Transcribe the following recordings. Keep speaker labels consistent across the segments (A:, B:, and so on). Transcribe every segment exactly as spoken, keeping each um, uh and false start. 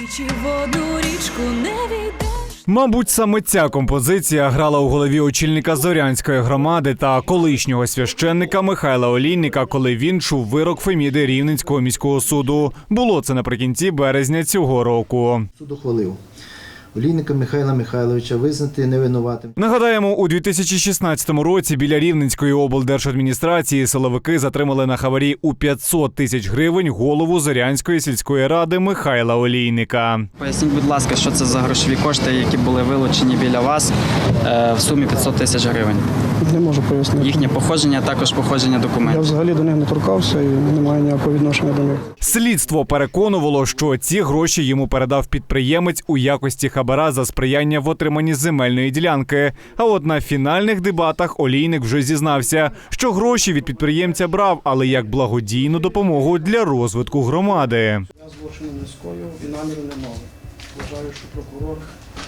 A: Двічі в одну річку не війдеш.
B: Мабуть, саме ця композиція грала у голові очільника Зорянської громади та колишнього священника Михайла Олійника, коли він чув вирок Феміди Рівненського міського суду. Було це наприкінці березня цього року.
C: Суд ухвалив Олійника Михайла Михайловича визнати невинуватим.
B: Нагадаємо, у дві тисячі шістнадцятому році біля Рівненської облдержадміністрації силовики затримали на хабарі у п'ятсот тисяч гривень голову Зорянської сільської ради Михайла Олійника.
D: Поясніть, будь ласка, що це за грошові кошти, які були вилучені біля вас в сумі п'ятсот тисяч гривень?
E: Не можу пояснити.
D: Їхнє походження, також походження
E: Я
D: документів.
E: взагалі до них не торкався і не маю ніякого відношення до них.
B: Слідство переконувало, що ці гроші йому передав підприємець у якості хабара за сприяння в отриманні земельної ділянки. А от на фінальних дебатах Олійник вже зізнався, що гроші від підприємця брав, але як благодійну допомогу для розвитку громади.
E: Я злочину не скоїв і наміру не мав. Вважаю, що прокурор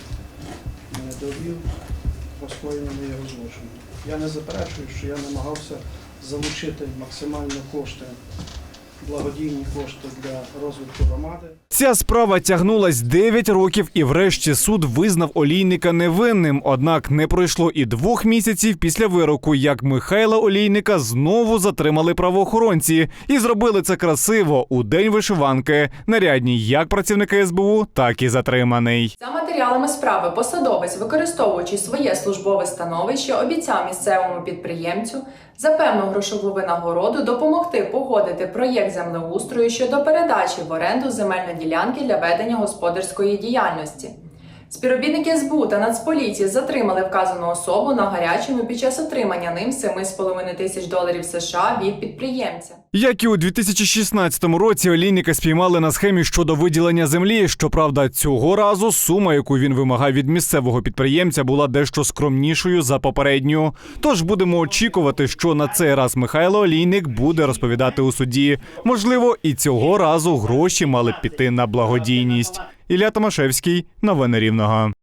E: мене довів про скоєння моєго злочину. Я не заперечую, що я намагався залучити максимально кошти, благодійні кошти для розвитку громади.
B: Ця справа тягнулась дев'ять років і врешті суд визнав Олійника невинним. Однак не пройшло і двох місяців після вироку, як Михайла Олійника знову затримали правоохоронці. І зробили це красиво, у день вишиванки. Нарядні як працівники ес бе у, так і затриманий.
F: За матеріалами справи посадовець, використовуючи своє службове становище, обіцяв місцевому підприємцю за певну грошову винагороду допомогти погодити проєкт землеустрою щодо передачі в оренду земельної ділянки для ведення господарської діяльності. Співробітники ес бе у та Нацполіції затримали вказану особу на гарячому під час отримання ним семи з половиною тисяч доларів США від підприємця.
B: Як і у дві тисячі шістнадцятому році, Олійника спіймали на схемі щодо виділення землі. Щоправда, цього разу сума, яку він вимагав від місцевого підприємця, була дещо скромнішою за попередню. Тож будемо очікувати, що на цей раз Михайло Олійник буде розповідати у суді. Можливо, і цього разу гроші мали б піти на благодійність. Ілля Томашевський, новини Рівного.